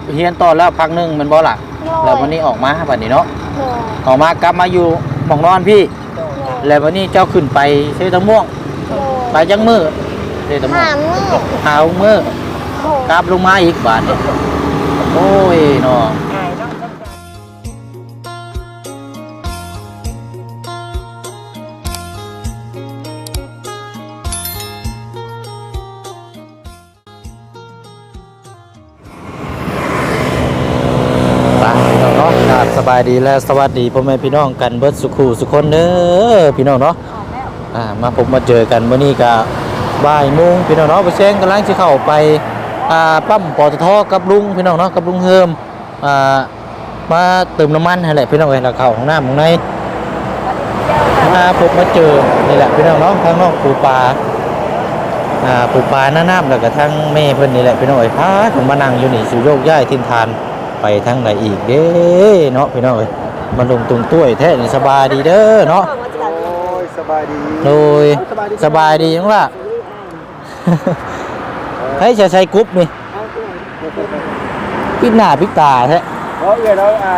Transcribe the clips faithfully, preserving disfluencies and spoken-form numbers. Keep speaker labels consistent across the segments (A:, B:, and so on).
A: เฮียนต่อแล้วพักนึงมันบ่ล่ะแล้ววันนี้ออกมาบัดนี้เนาะออกมากลับมาอยู่หม่องนอนพี่แล้ววันนี้เจ้าขึ้นไปเซตะม่วงไปจังมือเซตะม่วงหามือกลับลงมาอีกบาดนี้โอ้ยเนาะสบายดีและสวัสดีพ่อแม่พี่น้องกันเบิดสุขูสุคนเด้อพี่น้องเนาะอ่ามาพบมาเจอกันมื้อนี้ก็บ่ายโมงพี่น้องเนาะไปแซงกำลังสิเข้าไปอ่าปั๊มปตทกับลุงพี่น้องเนาะกับลุงเฮิมอ่ามาเติมน้ำมันให้แหละพี่น้องเอ้ยแล้วเข้าห้องน้ำข้างในมาพบมาเจอนี่แหละพี่น้องเนาะทางน้องปูปลาอ่าปูปลาหน้าน้ำแล้วก็ทั้งแม่เพิ่นนี่แหละพี่น้องเอ้ยพาผมมานั่งอยู่นี่สิโยกย้ายทิศทานไปทางไหนอีกเด้เนาะพี่น้องเอ้ยมาลงตรงตุ้ยแท้นี่สบายดีเด้อเนาะ
B: โอ้ยสบายดี
A: โดยสบายดีจังล่ะให้ใช้ใช้กรุ๊ปนี่ปิดหน้าปิดตาแท้
B: เพราะเอ้ยแล้วอ่า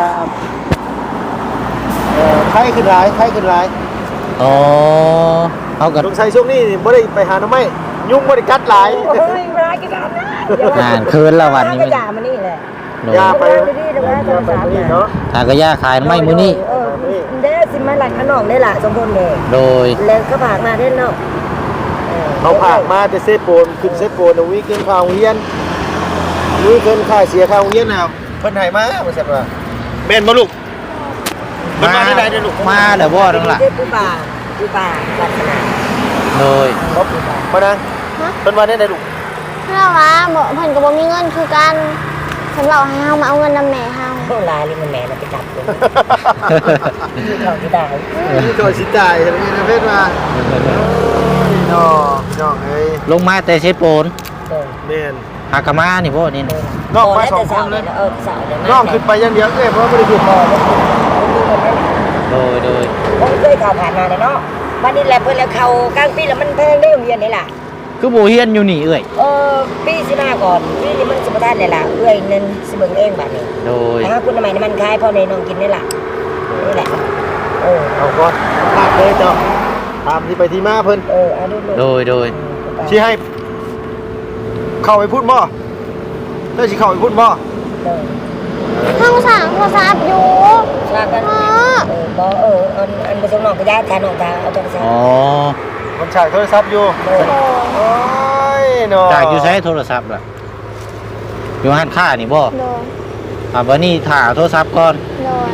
B: เอ่อไข้ขึ้นหลายไข้ขึ้นหลาย
A: อ๋อเอากัน
B: สงสัยช่วงนี้บ่ได้ไปหาหน่อไม้ยุงบ่ได้กัดหลาย
C: โอ้ยบ่ได้กัด
A: งานคืนละวันนี้มัน
C: ยามานี่แหละ
B: ยาไปยาไปนี่เนาะ
A: ถ้าก็ยาขายไม่มื้อนี้
C: เออเด้สิมาหลักขนมได้ล่ะสมบูรณ์แม่
A: โดย
C: แล้วก็ฝากมาได้เนาะ
B: เขาฝากมาแต่เซโปนขึ้นเซโปนเอาวิเกินข้าวเฮียนวิเกินค่าเสียข้าวเฮียนน่ะเพิ่นให้มาว่าซั่นว่าแม่นบ่ลูกมาได้ไหนเด้อลูก
A: มาแล้วบ่นั่นล่ะ
C: ปูป่าปูป่าลักษณะ
A: โดย
B: มานั่งเพิ่นว่าได้ไหนลูก
D: เพื่อว่าบ่เพิ่นก็บ่มีเงินคือกันเพิ่นบอกให้เฮามาเอาเงินนำแม่เฮา
C: โหลายเลยมันแม่น่ะไปจับเพิ่นเขาสิได้
B: เขาสิได้เฮ็ดนะเพิ่นว่าน้อน้องเอ้ย
A: ลงมาแต่เชฟโปน
B: แม่น
A: หากะมานี่พ่อนี่
B: น้องไปสองคนเลย
C: เออสาวเลย
B: น้องขึ้นไปอย่างเดียวเอ้ยเพราะบ่ได้ขึ้นบ่
A: โดยโดย
C: ผมเคยข่าวผ่านมาเนาะวันนี้แหละเพิ่นแล้วเข้ากลางปีแล้วมันแพงได้โรงเรียนนี่ล่ะ
A: คือบ่เฮียนอยู่นี่เอ้ย
C: เออปีสิมาก่อนปีนี้มันสิบ่ทันได้ล่ะเอ้ยนั่นสิเบิ่งเองบัดนี้
A: โดย
C: ถ้าคุณใหม่น้ำมันคายพ่อในน้องกินนี่ล่ะนี่แหละ
B: เออเอาก่อนลากเลยเจ้าตามที่ไปที่มาเพิ่น
C: เออเอาดู
A: โดยโดย
B: สิให้เข้าไปพูดบ่ได้สิเข้าไปพูดบ่
D: ห้องสั่งโทรศัพท์อยู่
C: ว่ากันเออบ่เอออันอันไปส่งน้องไปได้ทานน้องตาเอาโทรศัพท์
A: อ๋อ
B: มันฉากโทรศัพท์อยู่โอ้ยเนาะ
A: จากอยู่ใช้โทรศัพท์ล่ะอยู่ห้านค้านี่บ่
D: โดน
A: อ่าบัดนี้ถ่าโทรศัพท์ก่อน
D: โดน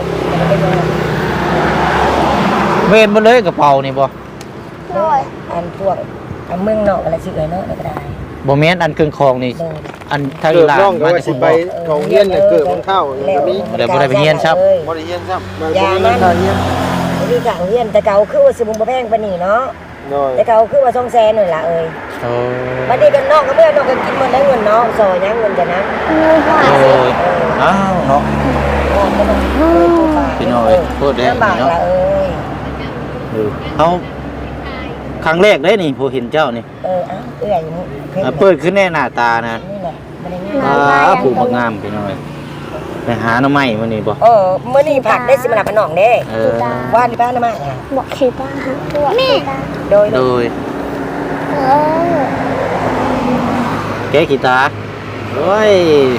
A: เว้นบ่เลยกระเป๋านี่บ่
D: โดน
C: อันพวกอันเมืองนอกอะไรสิเอ้ยเนาะก็ได้
A: บ่แม่นอันเครื่องคองนี่อันทาง
B: อี
A: หลาน
B: มาสิไปของเฮียนน่ะเกิดมันเข้าก็มี
A: บ่ได้บ่ได้ไปเฮียนครับ
B: บ่ได้เฮียนครับ
C: บ่ได้เฮียนที่ข้างเฮียนแต่เก่าคือว่าสิบ่แพงปานนี้เนาะแต่เก่าคือว่าสองแสนนั่นล่ะเอ้ย
A: โอ้
C: บัดนี้กันนอกก็เมื่อนอกก็กินมันได้เงินเนาะซอยยังเงินจ้ะนะ
D: เงินผ่าน
A: สิอ้าวเนาะพี่น้อยพูดได้เนาะ
C: เอ้ย
A: เฮาครั้งแรกได้นี่ผู้เห็นเจ้านี่
C: เอออ้าวเอื้อยอยู่
A: นี่เปิดขึ้นแน่หน้าตานะ
C: นี่แหละบ่ได้
A: งามอ่าผู้บักงามพี่น้อยไปหาหน่อไม้มื้อนี้บ่
C: เออมื้อนี้ผักได้สิมารับน้องเด้
A: เออ
C: ว่านที่บ้านน่ะมา
D: บอกขี้ป้าฮะแม่
C: โดย
A: โดย
D: เออ
A: แกกีตาร์โอ้ย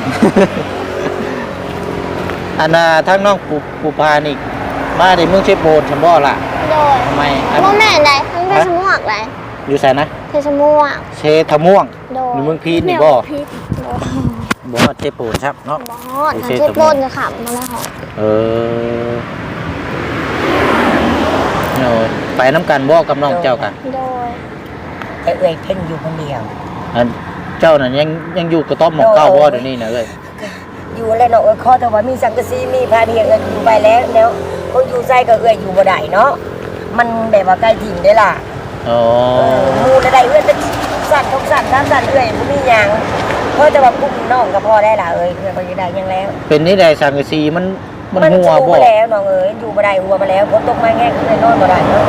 A: อันน่ะทั้งน้องปูปูปลานี่มาได้เมืองเชฟโบนซั่นบ่ล่ะ
D: โดย
A: ทำไม
D: บ่แม่นได้ทั้งเพชรม่วงได้
A: อยู่ไสนะ
D: เพชรม่วง
A: เชทม่วงอยู่เมืองพีนนี่บ่บ่เชฟโบนครับเนาะ
D: บ่เชฟโบนจะขับมาแล้วเหรอ
A: เออโน่ไปน้ำกันบ่กับน้องเจ้ากัน
D: โดย
C: แต่เอ้ยเพิ่นอยู่คนเดียว
A: อันเจ้านั่นยังยังอยู่กระต๊อบหมองเก้าบ่เดี๋ยวนี้นะเอ้ย
C: อยู่แล้วเนาะเอ้ยขอแต่ว่ามีสังกะสีมีพาเดียงกันอยู่ไปแล้วแล้วคนอยู่ไสก็เอ้ยอยู่บ่ได้เนาะมันแบบว่าใกล้ถิ่นได้ล่ะ
A: อ๋อ
C: หมู่ได้เอื้อนเป็นสัตว์ทุกสัตว์ทั้งสัตว์เอ้ยบ่มีหยังเพราะแต่ว่ากุ้งน้องก็พอได้ล่ะเอ้ยเพิ่นบ่ได้ยังแล้ว
A: เป็นนี่ได้สังกะสีมันมันหัวบ่
C: แล้วน้องเอ้ยอยู่บ่ได้หัวมาแล้วฝนตกมาแห้งเลยนอนบ่ได้เนาะ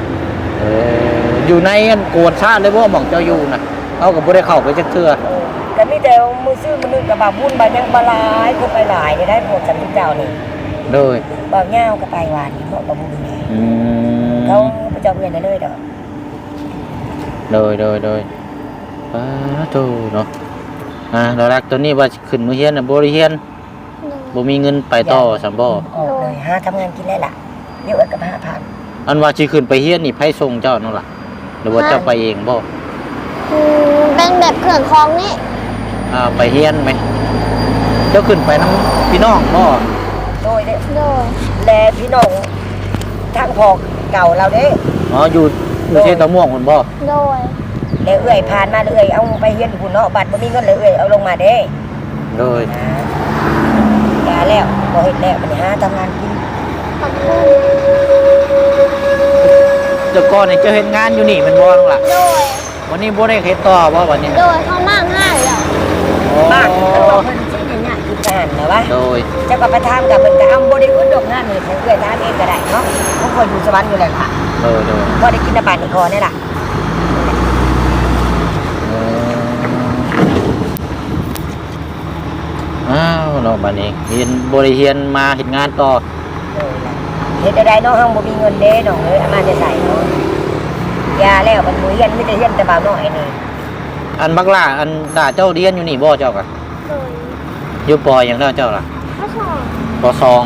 A: เอออยู่ในอันโกนชาติเลยบ่หม่องเจ้าอยู่น่ะเฮาก็บ่ได้เข้าไปจักเทื่อ
C: ก็มีแต่มือซื้อมือนึงกับบาบุญบายังบาลายก็ไปหลายได้พวกสันติเจ้านี่
A: โดย
C: บางเงาก็ไปวานนี่เพราะบาบุญนี่
A: อืม
C: เขาประจำเงินเลยดอก
A: โดยโดยโดยป้าโตเนาะอ่าเรารักตัวนี้ว่าขึ้นมือเฮียนน่ะบ่ได้เฮียนบ่มีเงินไปต่อสำบ่
C: ออกเลยหาทำงานกินได้ล่ะเดี๋ยวเอิ้นกับห้าพัน
A: อันว่าสิขึ้นไปเฮียนนี่ไผส่งเจ้านั่นล่ะหรือว่าเจ้าไปเองบ่
D: อืมเป็นแบบเครื่องคล้องนี่
A: อ่าไปเฮียนไหมเจ้าขึ้นไปนํพี่น้องบ่
C: โดยเด้
D: โดย
C: แลพี่น้องทางพอเก่าเราเด้
A: อ๋ออยู่อยู่เทตะม่วงพุ่นบ่
D: โดย
C: แล้วเอื้อยผ่านมาเอื้อยเอาไปเฮียนคุณเนาะบัตรบ่มีเงินเลยเอื้อยเอาลงมาเด้
A: โดย
C: กาแล้วบ่เฮ็ดแล้วมันหาทำงานกิน
D: ขอบคุณ
A: เจ้าก่อนนี่เจ้าเฮ็ดงานอยู่นี่แมันบ่นั่นล่ะ
D: โดย
A: วันนี้บ่ได้เฮ็ดต่อบ่วันนี้
D: โดยเขามากง่ายแล้ว
C: บ้านเขาบอกเพิ่นสิเนี่ยกินกันนะวะ
A: โดย
C: เจ้าก็ไปถามกับเพิ่นก็เอาบ่ได้อึดดอกงานนี่เพิ่นเอื้อยถามเองก็ได้เนาะเพราะคนอยู่สวรรค์อยู่แล้วค่ะ
A: โดยโดย
C: บ่ได้กินน้ำบานนี่คอนี่ล่ะ
A: อ้าวเนาะบัดนี้เรียนบ่ได้เรียนมาเฮ็ดงานต่อ
C: เออล่ะเฮ็ดได้เนาะเฮาบ่มีเงินเด้น้องเอ้ยเอามาจะใส่เนาะยาแล้วมันบ่เรียนมีแต่เรียนแต่บ่าวน้อยนี่
A: อันบักล่าอันด่าเจ้าเรียนอยู่นี่บ่เจ้าก็
D: โดย
A: อยู่ปอหยังเด้อเจ้าล่ะ
D: ข้อสอบ
A: ปอสอง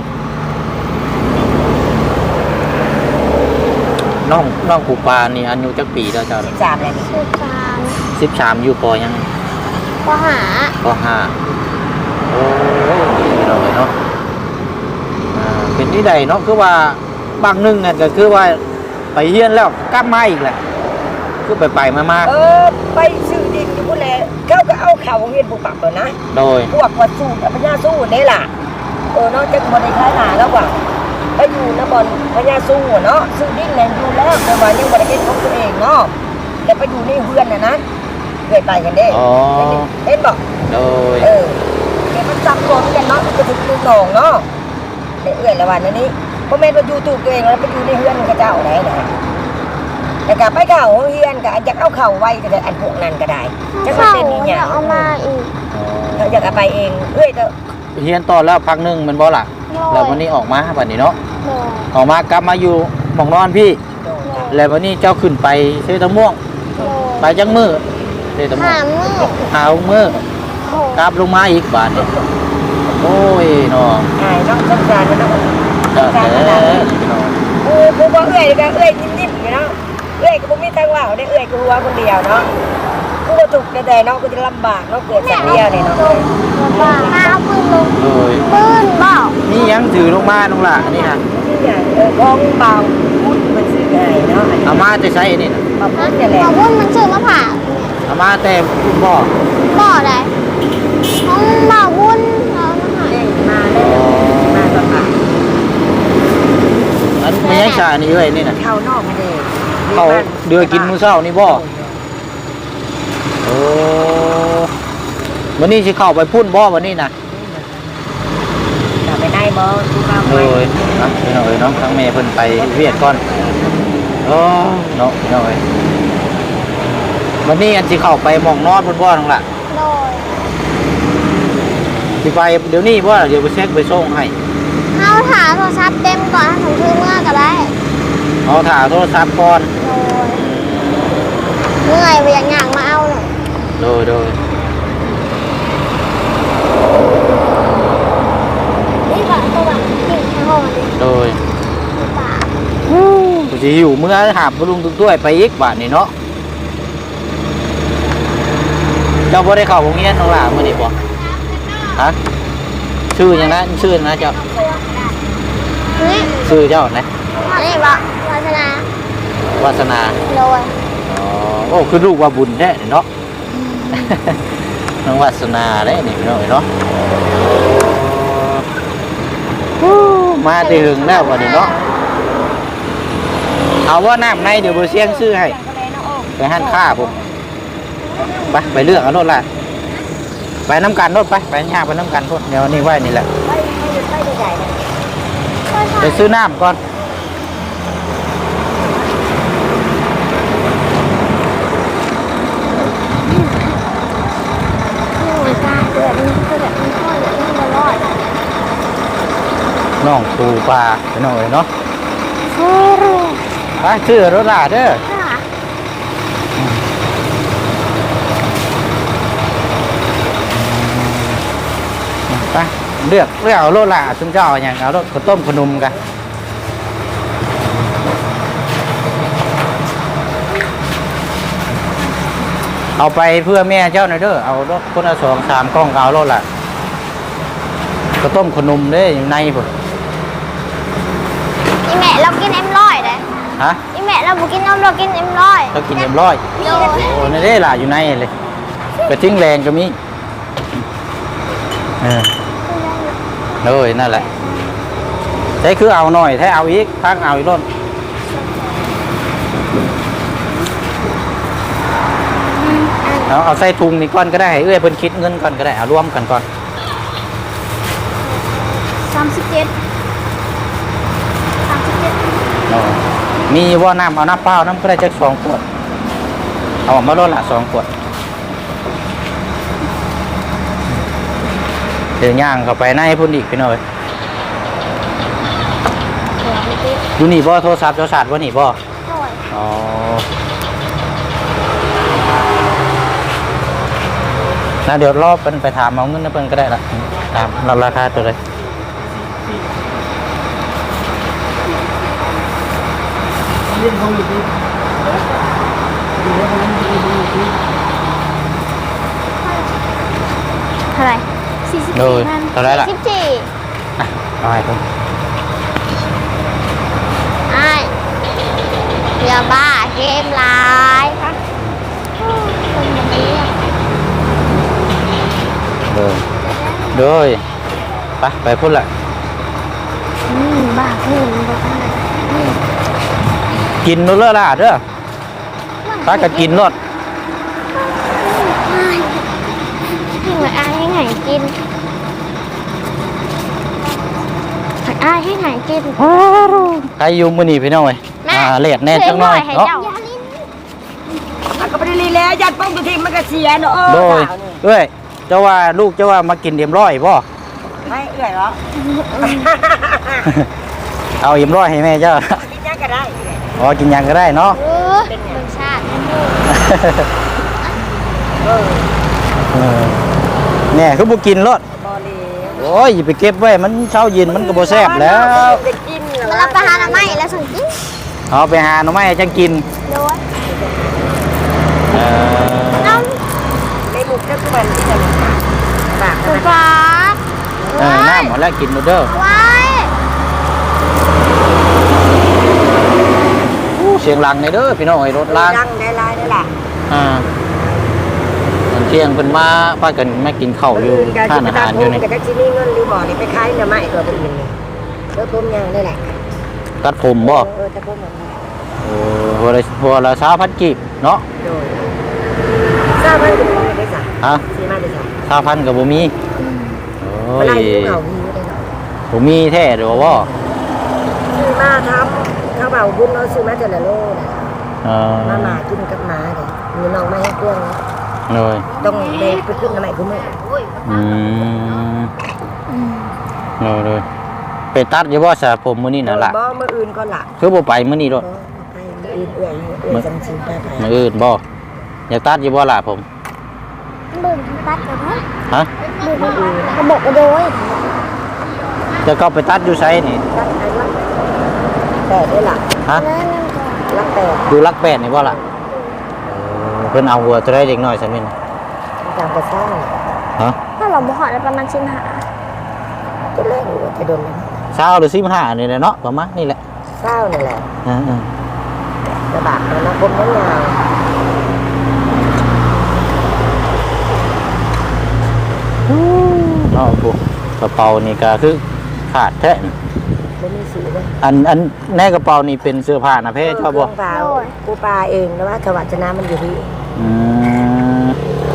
A: น้องน้องปูปลานี่อายุจักปีแล้วเจ้า
C: สิบสามแล้วนี่
D: สิบสาม
A: สิบสามอยู่ปอหยัง
D: ปหา
A: ปอห้าโอ้ดีเนาะเนาะอ่าเป็นที่ใดเนาะคือว่าบางหนึงเนี่ยก็คือว่าไปเรียนแล้วกลับมาอีกแหละคือไปไปมามา
C: เออไปซื้อดินอยู่พุ่นแหละเขาก็เอาเข้าโรงเรียนผู้ปรับแล้วนะ
A: โดย
C: พวกวัดสู้พญาสู้นี่ล่ะเออเนาะจักบ่ได้ขายหน้าแล้วว่าไปอยู่นบอนพญาสู้เนาะซื้อดินแม่นอยู่แล้วแต่ว่ายังบ่ได้เฮ็ดของตัวเองเนาะแล้วไปอยู่ในเฮือนน่ะนะเคยไปกันเด้
A: อ๋อ
C: เห็นบ่
A: โดย
C: เออเดี๋ยวมันจำตัวมันกันเนาะมันก็ถึงลูกน้องเนาะเดี๋ยวเอื้อยละวันนี้บ่แม่นว่าอยู่ตู้ตัวเองแล้วไปอยู่ในเฮือนกับเจ้าไหนนะแต่ก็ไปเข้าโรงเรียนก็อยากเอาเข้าไว้ก็ได้อันพวกนั้นก็ได้จักมัน
D: เขา
C: เป็นอีห
D: จะ
C: ยัง
D: เอามาอีก
C: เขาอยากเอาไปเองเอ้ยก็
A: เรียนต่อแล้วพักหนึงแมันบ่ล่ะ
D: โดย
A: แล้ววันนี้ออกมาบัดนี้เนาะ
D: โดย
A: ออกมากลับมาอยู่หม่องนอนพี่
C: โดน
A: แล้ววันนี้เจ้าขึ้นไปเซตะม่วง
D: โด
A: ไป
D: ย
A: จังมือเซตะม่ว
D: หาง มือ
A: หามือ
D: โอ้
A: กลับลงมาอีกบาทนี่โอ้ยเนาะ
C: อายเนาะสงสารมันเนาะส
A: เด้อง
C: สาร
A: เด้
C: มัน
A: อ
C: เนาะ
A: เนาะ
C: โอ้กูบ่เอ้ยก็เอ้ยนิ่มๆอยู่เนาะเอ้ยก็บ่มีทางว่าได้เอ้ยกูว่าคนเดียวเนาะกูบ่ถูกแต่เนาะกูจะลำบากเนาะเกิดสักเดียวนี่เนาะ
D: บ้ามาเอาปืนลง
A: โอ้ย
D: ปืนเปล่า
A: นี่ยังถือลงมาลงล่ะอันนี้ฮะ
C: นี่อย่างเออของเบาพูดมันซื้อให้เนาะ
A: เอามาจะใช้อันนี้นะ
C: มาพู
D: ฮะ
C: ดนี่แหละ
D: บอกว่ามันชื่อมะผ่า
A: เอามาแต่คุณบ่
D: บ่อใดของบ่อวุ้นเอามาหา
C: เด้งมาแล้วมาประกาศ
A: อันไม่ใช่ชาอันนี้เอ้ยนี่นะ
C: เข้านอกมาเด้
A: เขาเดือกินมื้อเช้านี่บ่โอ้วันนี้สิเข้าไปพุ่นบ่วันนี้นะ
C: กลับไปได้บ่กูเข้า
A: โด
C: ไป
A: ยนะพี่น้องเอ้ยเนาะทั้งแม่เพิ่นไปเวียดก่อนโอ้เนาะพี่น้องเอ้ยวันนี้อันสิเข้าไปหม่องนอนพุ่นบ่นั่นล่ะ
D: โดย
A: สิไปเดี๋ยวนี้บ่เดี๋ยวไปเช็คไปส่งให้
D: เอาถาโทรศัพท์เต็มก่อนถ้าผมชื่อเมื่อก็ได้
A: เอาถ่าโทรศัพท์ก่อน
D: โดยเมื่อยไปอย่างอย่างมาเอาหน่อย
A: โดยโดย
D: นี่ก่อนตัวแบบกิ่งข้างห้องดิ
A: โดย
D: ป่า
A: กูสิหิวเมื่อหาบลุงตุ้ด้วยไปอีกบาทนี่เนาะเจ้าบ่ได้เข้าโรงเรียนน้องหล่ามื้อนี้บ่ฮะชื่อหยังนะชื่อหยังนะเจ้า
D: นี่
A: ชื่อเจ้านะ
D: นี่บอกวาสนาว
A: าสนา
D: โดย
A: อ๋อโอ้คือลูกว่าบุญแท้นี่เนาะ น้องวาสนาเด้นี่พี่น้องเอ้ยเนาะโอ้มาแต่หึงแล้ววันนี้เนาะเอาว่าน้ำในเดี๋ยวบ่เสียงซื้อให้ไปหันค่าผมไปไปเลือกเอาโน่นล่ะไปน้ำกันโน่นไปไปย่างไปน้ำกันโน่นเดี๋ยวนี่ไว้นี่แหละ
C: ไปไปไปใหญ่นะ
A: ไปซื้อน้ำก่อนน้องปูปลาไปน้องเลยเนาะ
D: เฮ้ย
A: ไปชื่อรถลาเด้อ
D: ค่ะ
A: ไปเลือกเลือกเอารถลาซึ่งเจ้าอย่างเอารถข้าวต้มขนมกันเอาไปเพื่อแม่เจ้าหน่อยเด้อเอารถคนละสองสามกล้องเอารถละข้าวต้มขนมเด้อยู่ในพุ่น
D: อีแม่เรากินเอ็มร้อยเลย
A: ฮะ
D: อีแม่เราบุกินนมเรากินเอ็มร้อย
A: เรากินเอ็มร้อย
D: โดย
A: โอ้ในเด้ล่ะอยู่ในเลยกระทิ้งแรงก็มีเออเลยนั่นแหละใช้คือเอาหน่อยถ้าเอาอีกพักเอาอีกรถเอาเอาใส่ถุงนี่ก่อนก็ได้ให้เอื้อยเพิ่นคิดเงินก่อนก็ได้เอารวมกันก่อน
D: สามสิบเจ็ดสามสิบเจ็ด
A: เอามีว่าน้ำเอาน้ำเปล่าน้ำก็ได้จักสองขวดเอาออกมาลดละสองขวดเดี๋ยวย่างเข้าไปในพุ่นอีกพี่น้อยอยู่นี่บ่โทรศัพท์เจ้าศาสตร์ว่านี่บ่
D: โดย
A: อ๋อนะเดี๋ยวรอบเป็นไปถามเอาเงินนะเพิ่นก็ได้ละตามเราราคาตัวเลย
B: เรื่องของอยู่ที่
D: เท่าไหร่สี่สิบ
A: โด
D: สี่
A: ย
D: พัน
A: เท่าไหรล่ะ
D: สิบสี่
A: อ่ะเอาให้ผม
D: ไอ้อย่าบ้าเกมร้ายค่ะคนแบบนี้
A: โดยโดยไปไปพุ่นละ
D: อืมบ้าเพื่อนบ้าเพื่อน
A: กินนู่นเลยล่ะเด้อตาก็กินรถ
D: ให้หน่อยอายให้ไหนกินอายให้ไหนกิน
A: ใครอยู่มื้อนี้พี่น้องเอ้ยอ่าเลดแน่จังหน่อย
D: ให้
A: เนาะ
D: เจ้า
C: อ่ะก็บ่ได้ลีแล้วยัดป้องตัวทีมันก็เสียเนาะ
A: โดย
C: ข่าวนี่
A: เอ้ยเจ้าว่าลูกเจ้าว่ามากินเอ็มร้อยบ่
C: ไม่เอื้อยเหรอ
A: เอาเอ็มร้อยให้แม่เจ้า
C: กินยังก็ได้
A: อ๋อกินหยังก็ได้เนาะ
D: เออเป็นชาติ
C: เออ
A: เออแน่คือบ่กินรถ
C: บ่เลย
A: โอ้ยอย่าไปเก็บไว้มันเช้าเย็นมันก็บ่แซ่บแล้ว
C: จะกินเหรอ
D: มารับประทานอะไรแล้วสั่งกิน
A: เอาไปหาหน่อไม้ให้จังกิน
D: โดย
A: เออ
D: น้
C: ในบุกก็คือมันที่จะปาก
D: ำ
C: มั
D: สุ
C: น
D: ฟ้า
A: เออน้ำหมดแล้วกินหมดเด้อ
D: ไว้
A: อู้เสียงหลังในเด้อพี่น้องไอ้รถล้าง
C: ดังได้ลายได้ล่ะ
A: อ่าตอนเที่ยงเพิ่นมาพากันมากินข้าวอยู่ทานอาหารอยู่นี่
C: กับที่นี่เงินรีบอร์ดนี่ไปขายหน่อไม้ตัวเป็นเงินเออผมยังได้แหละ
A: ตัดผมบ่
C: เออแต่ผมยัง
A: เออหัวละหัวละสามพันกีบเนาะ
C: โดยทราบไหมคุณพ่อได้จ้ะ
A: ฮะ
C: ซื้อมาได้จ้ะ
A: สามพันก็บ่มีโอ้
C: เมื่อย ไหรภูเขาหิวได้เนาะ
A: บ่มีแท้เด้อบ่
C: ซื้อมาทำข้าวเบาบุญเราซื้อมาแต่ละโลนะ
A: เออ
C: มาหมากินกับหมาเลยมีน้องมาให้เพื่อน
A: เลย
C: ต้องเบไปขึ้นหน่อไม้คุณแม่
A: อืมเลยเลยไปตัดอยู่บ่ซะผมมื้อนี้น่ะล่ะ
C: บ่มื้ออื่นก็ล่ะ
A: คือบ่ไปมื้อนี้โดด
C: บ่ไปมื้ออื่นเอื้อยเอื้อยจังสิไปไป
A: มื้ออื่นบ่อยากตัดอยู่บ่ล่ะผม
D: เบิ่งตัดกันนะ
A: ฮะ
D: เบิ่งอื่นเขาบอกว่าโดย
A: จะก็ไปตัดอยู่ไสนี่
C: รักไอ้รักแปดได้ล่ะ
A: ฮะ
D: นั่นนั่นก่อน
C: รักแปด
A: ดูรักแปดนี่บ่ล่ะเออเพิ่นเอาหัวตัวได้เด็กน้อยซะมิน
C: ตามกระซ่า
A: ฮะ
D: ถ้าเราบ่หอดได้ประมาณสิบห้า
C: จะเล่นอยู่จะโดนแล้ว
A: เช้าหรือสิบห้านี่แหละเนาะประมาณนี่แหละ
C: เศร้านั่นแหละ
A: อ่า
C: ระบาดมันนะผมนั้นยาว
A: ๆเนาะพวกกระเป๋านี่ก็คือขาดแท้นี่
C: ไม่มีสีเลย
A: อันอันในกระเป๋านี่เป็นเสื้อผ้านะเพ่ชอบบ่
C: ปลาปูปลาเองนะว่าถวัดชนะมันอยู่ที่
A: อืม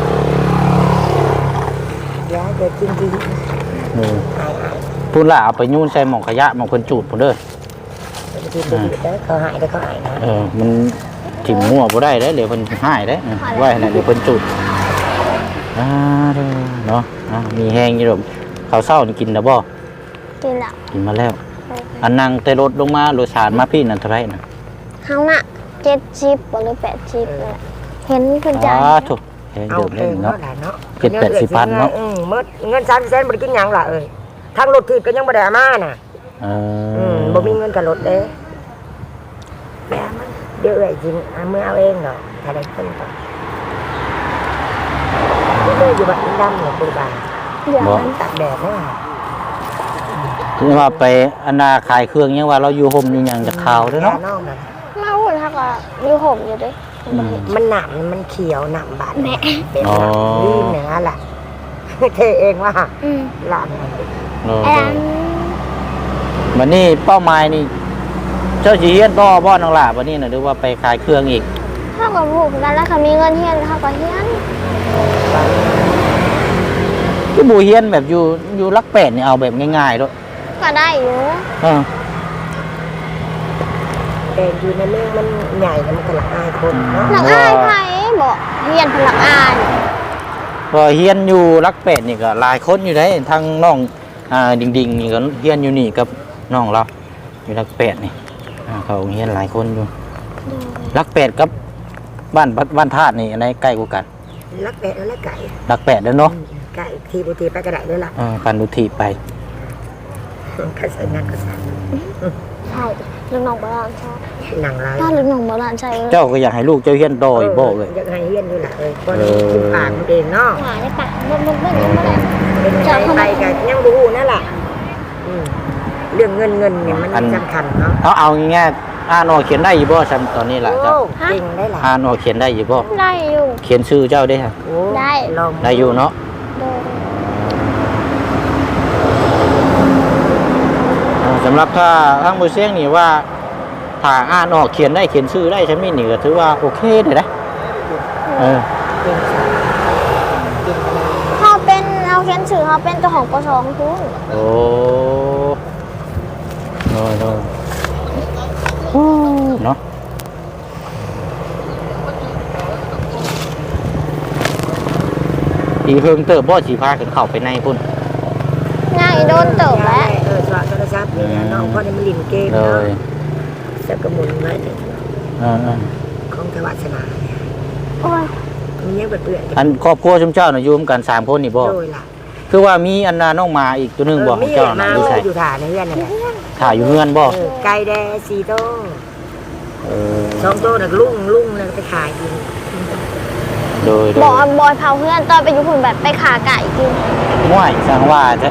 C: ยาเดี๋ยวกินดี
A: เออ
C: อายอาย
A: พูดล่ะเอาไปยุ่นใส่หม่องขยะหม่องคนจูดพุ่นเด้อ
C: จะกินดีแต่เขาหายแต่เขาหายนะ
A: เออมันถิ่มมั่วบ่ได้เด้อเดี๋ยวเพิ่นหายเด้อเออไว้ให้น่ะเดี๋ยวเพิ่นจูดอ่าเด้อเนาะอ่ามีแห้งอยู่ดอกข้าวเช้านี่กินแล้วบ่
D: กินแล้ว
A: กินมาแล้วอันนั่งแต่รถลงมาโดยสารมาพี่นั่นเท่าไหร่นะ
D: เฮาน่ะเจ็ดสิบหรือแปดสิบเลยเห็นเพิ่นจ่าย
A: อ๋อถูกเห็น
C: เอา
A: เดิม
C: เอ
A: เล่น
C: ง
A: เนาะ
C: เนาะเนาะ
A: เจ็ดแปดสิบพันเนาะ
C: อืมเมื่อเงินสามสิบเซนบ่ได้กินหยังล่ะเอ้ยทางรถถีบก็ยังบ่ได้เอามาน่ะ
A: เอ
C: อืม
A: อ
C: บ่มีเงินกับรถเด้แม่มันเดี๋ยวเอ้ยกินเอามือเอาเองเนาะถ้าได้เพิ่นก็เด้อยู่บ้านดำเนี่ยปู่บ้าน
D: เดี๋ยว
C: มันตากแดดเนาะ
A: ที่ว่าไปอันนาขายเครื่องยังว่าเราอยู่ห่มอยู่หยังจะขาวเด้อเนาะ
C: นอกนั่น
D: มาหุ่นทักอ่ะอยู่ห่มอยู่เด้
A: อืม
C: มันหนามมันเขียวหนามบาด
D: แม่
C: เป็น
A: อ๋อ
C: หนามรีนอย่างนั้นแหละ เทเองว่า
D: อืม
C: หลานมัน
A: เออ
D: แอน
A: วันนี้เป้าหมายนี่เจ้าสิเฮียนต่อบ่น้องหล่าวันนี้น่ะหรือว่าไปขายเครื่องอีก
D: เท่ากับผูกกันแล้วเขามีเงินเฮียนเท่ากับเฮียน
A: คือบ่เฮียนแบบอยู่อยู่รักแปดนี่เอาแบบง่ายๆเด้อ
D: ก็ได้อยู่
A: เออ
C: แต่อยู่ในเมืองมันใหญ่แล้วมันก็ละอายคนเนาะ
D: หลังอายไผบอกเฮียนพลังอาย
A: พอเฮียนอยู่รักแปดนี่ก็หลายคนอยู่ได้ทั้งน้องอ่าดิ่งๆนี่ก็เฮียนอยู่นี่กับน้องเราอยู่รักแปดนี่อ่าเขาเฮียนหลายคนอยู่รักแปดกับบ้านบ้านธาตุนี่อันไหนใกล้กว่ากัน
C: ลักแปะแล้วไก่
A: รักแปดเด้อเนาะ
C: ไก่ทีบุทีไปกระไดด้วยล่ะ
A: เออปันดุทีไป
C: กระใส่งานกระใส่
D: ใช่ลูกน้องโบราณใช่
C: หนังลาย
D: ถ้าลูกน้องโบราณใช่
A: เจ้าก็อยากให้ลูกเจ้าเฮียนต่ออีกบ่เลย
C: อยากให้เฮียนด้วยล่ะเอ้ยคนกินปากมันเองเนาะ
D: หาได้ปะมันมันมันยังไม่ได้
C: เป็นไงไปกันยังบูฮูนั่นแหละอืมเรื่องเงินเงินเนี่ยมันสำคัญเนาะ
A: เอาเอาง่ายๆอ่านออกเขียนได้อยู่บ่ซ้ำตอนนี้ล่ะเจ้า
C: โอ้เก่งได้ล่ะ
A: อ่านออกเขียนได้อยู่บ่
D: ได้อยู่
A: เขียนชื่อเจ้าได้ฮะ
C: โอ้
D: ได้
C: ลอง
A: ได้อยู่เนาะ
D: โดย
A: อ่าสำหรับถ้าทางบ่เสียงนี่ว่าถ้าอ่านออกเขียนได้เขียนชื่อได้ใช่มั้ยนี่ก็ถือว่าโอเคเด้นะเออ
C: เก่งสัตว์เก่งขนาด
D: เขาเป็นเอาเขียนชื่อเขาเป็นเจ้าของปชของคุณ
A: โอ้โน้โน้เนาะอีเพิ่งเติบบ่สิพากันเข้าไปในพุ่น
D: ง่ายโดนเติบแล้ว
C: เออสวัสดิ์โทรศัพท์นี่นะน้องพ่อในมันลินเกม
A: เล
C: เนาะ
A: ย
C: จะกระมุนไว้เนี่ย
A: เออ
C: ของเทวาสนาเนี่ย
D: โอ้ย
C: มันยังเปื่อย
A: ๆอันครอบครัวชุมเจ้าน่ะอยู่ร่วมกันสามคนนี่บ่
C: โดยล่ะ
A: คือว่ามีอันน่ะน้องหมาอีกตัวหนึงบ่ของเจ้าน่ะ
C: มี
A: อยู่ไส
C: อยู่ถ่าในเรือนนั่นแหละ
A: ถ่ายอยู่เฮือนบ่
C: เออไก่แดงสี่โต
A: เออ
C: สองโตน่ะลุ่งลุ่งเลยไปขายกิน
A: โดยโด
D: บอย ยบอยเผาเพื่อนตอนไปอยู่คุณแบบไปขาไก่กิน
A: ม่วยสังว่าจ้ะ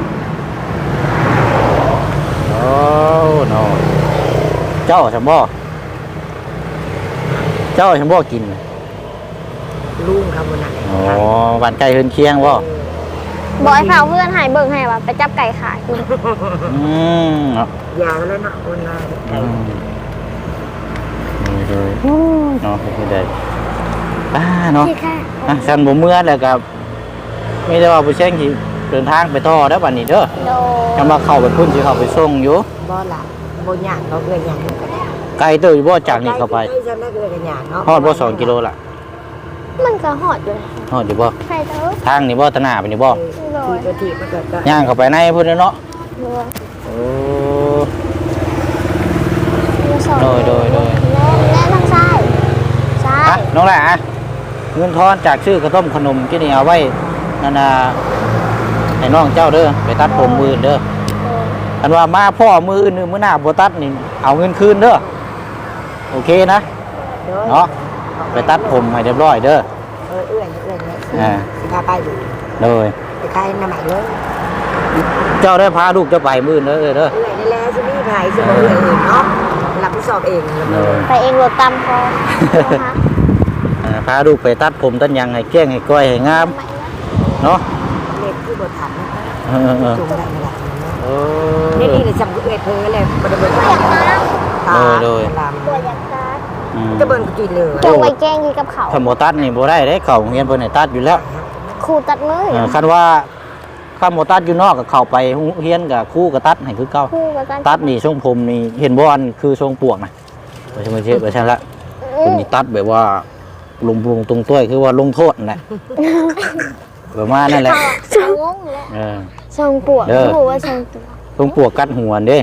A: โอ้โนเจ้าสมบ่เจ้าสมบ่กิน
C: ลุ่งครับวันนั้น
A: อ๋อบ้านไก่เฮือนเคียงบ่
D: บอยเผาเพื่อนใหายเบิ่งให้ว่าไปจับไก่ขายกิน
A: อืมเนาะ
C: ยาวแล้วเนาะคนละ
A: อืมโดยเนาะไม่ได้อ่าเนาะ
D: ที่แค่
A: อ่ะฉันบ่เมื่อแล้วกับมีแต่ว่าผู้เชี่ยงที่เดินทางไปต่อแล้วบัดนี้เด้อ
D: โด
A: กำลังเข้าไปพุ่นสิเข้าไปส่งอยู่
C: บ่ละบ่หยางเขาเกินหยางก็ได้
A: ไกลเติบอยู่บ่จากนี้เข้าไป
C: ใกล้ๆจะได้เกินหยางเนาะ
A: ฮอดบ่สองกิโลล่ะ
D: มันก็หอดอยู่เลย
A: ฮอดอยู่บ่
D: ใครเถอะ
A: ทางนี่บ่ตะหน้าไปนี่บ่
C: ทีตัวทีมันก็ก็
A: ย่างเข้าไปในพุ่นเนาะ
D: โดย
A: โอ้
D: โดย
A: โดยโดย
D: และทางซ้ายซ้า
A: อ่ะ
D: ย
A: น้องแหละอ่ะเงินทอนจากชื่อกระต้มขนมที่นี่เอาไว้นั่นน่ะให้น้องเจ้าเด้อไปตัดผมมืออื่นเด้อ
D: โดย
A: คันว่ามาพ่อมืออื่นมื้อหน้าบ่ตัดนี่เอาเงินคืนเด้อโอเคนะ เนาะไปตัดผมให้เรียบร้อยเด้อ
C: เออเอื้อนเอื้อนเนี่ย
A: อ่า
C: สิพาไปอยู่
A: เลย
C: ไปขายน้ำมันเลย
A: เจ้าได้พาลูกเจ้าไปมื้อเด้อเด้อ
C: เอื้อนนี่แหละสิมีขายสิบ่เอื้อนเองเนาะรับผิดชอบเอง
A: เลย
D: ไปเองรถตามพอนะคะ
A: อ่าพาลูกไปตัดผมตัดหยังให้แก้งให้ก้อยให้งามเนาะ
C: เล็บที่บ่ทันนะคะ
A: เออเออ
C: จุงได้ไม่ได้
A: โอ้
C: นี่นี่เลยจำเอื้อนเพ้อเลยบ่ได้เบิ่งตา
A: โดย
C: ลาม
D: ตัวยักษ์ตา
A: อืม
C: จะเบิ่งกินเลย
D: จงไปแกงกินกับเขา
A: ถ้าบ่ตัดนี่บ่ได้เด้เข้าโรงเรียนเพิ่นให้ตัดอยู่แล้ว
D: ครูตัดมือ
A: เออคันว่าคันบ่ตัดอยู่นอกก็เข้าไปโรงเรียนก็ครูก็ตัดให้คือเก่า
D: ครูกับกัน
A: ตัดนี่ทรงผมนี่เห็นบ่อันคือทรงปวกนะบ่ใช่บ่ใช่บ่ใช่ละ คุณนี่ตัดแบบว่าลงลงตรงต้วยคือว่าลงโทษนั่นแหละ ประมาณนั่นแหละ
D: ทรงงงเลย
A: เออ
D: ทรงปวด
A: เด้อ
D: ครูว่าทรงปวด
A: เพิ่งปวกกัดหัวเด้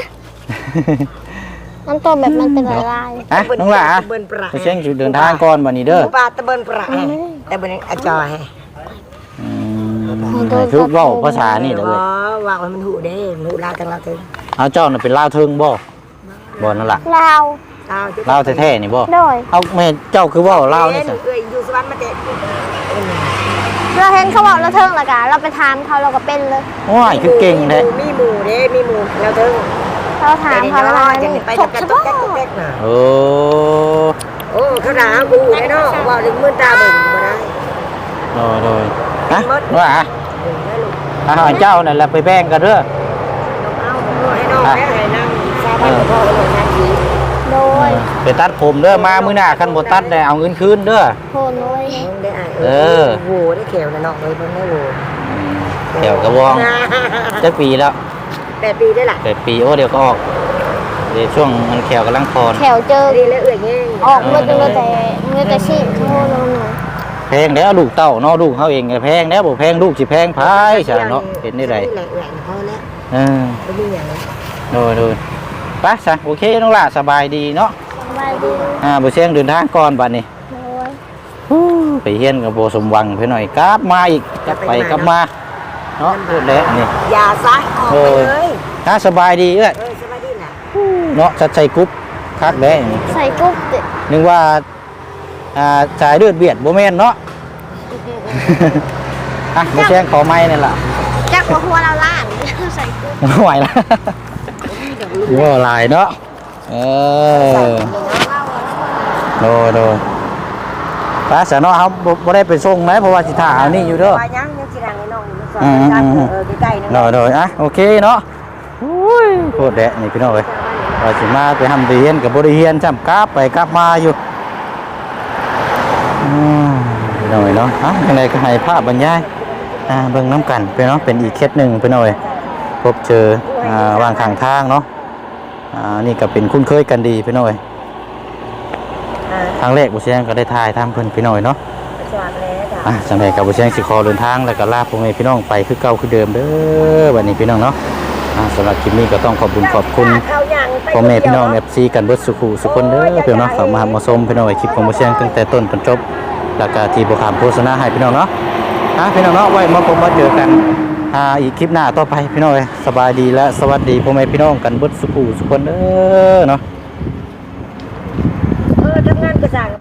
D: น้ำตัวแบบมันเป็นลาย
A: อ่ะน้องหล่ะ
C: ตะเบินประ
A: ไปเชียงเดินทางก่อนบัดนี้เด้อ
C: ปลาตะเบินประตะเบินอาจอย
A: อืมให้คือเว้าภาษานี่เด้อ
C: บ่
A: เว้ย
C: ว่ามันหูเด้มันหูลาวจังลาวถึง
A: เอาเจ้าน่ะเป็นลาวเทิงบ่บ่นั่นล่ะ
D: ลาว
C: ลาว
A: ลาวแท้ๆนี่บ่
D: โดย
A: เอาแม่เจ้าคือเว้าลาวนี่ซะ
C: เอ้ยอยู่สวรรค์มาแต่
D: เราเห็นเขาบอกเราเทิงและกันเราไปถามเขาเราก็เป็นเลย
A: ว้ายคือเก่งแท้
C: มีหมู่เด้มีหมู่ลาวถึง
D: เราถามเขาแล้ว
C: จะ
D: มัน
C: ไป
D: ถ
C: จะ
D: ก
C: กัน
D: เฉ
C: ตุ๊ก
D: พาะ
C: แก๊กตุ๊กแก๊กน่ะ
A: โอ้
C: โอ้เขาด่ากูได้เนาะว่าถึงมือตาเบิ่งบ่ได้
A: โดยโดยฮะ
C: หมด
A: ว่า
C: เออได้ลูก
A: อาหารเจ้านั่นแหละไปแบ่งกันเด้อ
C: เอาให้น้องแม่ให้นั่งซาบ้านกับพ่อให้นั่งดี
D: โดย
A: ไปตัดผมเด้อมามื้อหน้าคันบ่ตัดได้เอาเงินคืนเด้อ
D: โหนเลย
C: ได้อ่ะ
A: เออ
C: โหได้เขียวนะน้องเลยเพิ่นได้โห
A: แถวกระวองจักปีแล้ว
C: แปดปีได้ล่ะ
A: แปดปีโอ้เดี๋ยวก็ออกเดี๋ยวช่วงมันแขวกำลังคอน
D: แถวเจอ
C: ดีแล้วเอื่อยเงี้ย
D: ออกเมื่อเจอแต่เมื่อแต่ชีพโทษเราหน่อย
A: แพงแล้วลูกเต้าเนาะลูกเขาเองก็แพงแล้วบ่แพงลูกสิแพงพายใช่เนาะเห็นได้ไร
C: แหละแหละพอแล้ว
A: เออ
C: ไม่มีอย่างนั้น
A: โดยโดยไปซะโอเคน้องล่ะสบายดีเนาะ
D: สบายดี
A: อ่าบ่เชียงเดินทางก่อนบัดนี้
D: โดย
A: ฮู้ไปเฮียนกับบ่สมหวังไปหน่อยกลับมาอีกกลับไปกลับมาเนาะพูดแล้วนี่
C: อย่าซะออกไปเลย
A: ถ้าสบายดีเอ้ย
C: เออสบายดีน่ะ
A: เนาะชัดใจกรุ๊ปคักแล้วนี่
D: ใส่กุ๊บดิ
A: นึกว่าอ่าสายเลือดเบียดบ่แม่นเนาะ อ่ะบ่เชียงขอไม้นั่นล่ะ
D: จักหัวหัวเราล้านใส่กุ๊บ
A: ไม่ไหวแล้วอยู่ว่าลายเนาะเออโดยโดยไปเสียเนาะครับบ่บ่ได้ไปส่งไหมเพราะว่าสิถ่าเอานี่อยู่เด้อ
C: ว่ายังยังสิรังให้น้องอยู่สอน
A: อืม
C: กัน
A: อืม
C: เออใกล้ๆนึง
A: โดยโดยอ่ะโอเคเนาะอุ้ยโคตรแดะนี่พี่น้องเอ้ยว่าสิมาไปทำไปเรียนกับบ่ได้เรียนจ้ำกลับไปกลับมาอยู่อืมพี่น้องเอ้ยเนาะอ่ะยังไงก็ให้ภาพบรรยายอ่าเบิ่งน้ำกันไปเนาะเป็นอีกเคสหนึ่งพี่น้องเอ้ยพบเจออ่าวางข้างทางเนาะอ่านี่ก็เป็นคุ้นเคยกันดีพี่น้องเอ้ย
C: อ่า
A: ทางแรกบุเชียงก็ได้ถ่ายทำเพิ่นพี่น้อยเนาะ
C: สวัสดีแล้วจ้ะ
A: อ่ะจังไดกับบุเชียงสิขอเดินทางแล้วก็ลาพ่อแม่พี่น้องไปคือเก่าคือเดิมเด้อบัดนี้พี่น้องเนาะอ่ะสำหรับคลิปนี้ก็ต้องขอบคุณขอบคุณพ่อแม่พี่น้อง เอฟ ซี กันเบิดสุขุสุขคนเด้อพี่น้องเนาะฝากมาหามาชมพี่น้องคลิปของบุเชียงตั้งแต่ต้นจนจบแล้วก็ที่บ่ขามโฆษณาให้พี่น้องเนาะอ่ะพี่น้องเนาะไว้มาพบมาเจอกันอ่าอีกคลิปหน้าต่อไปพี่น้องเอ้ยสบายดีและสวัสดีพ่อแม่พี่น้องกันเบิดสุขุสุขคนเด้อเนาะ
C: เออทำงานกระสัง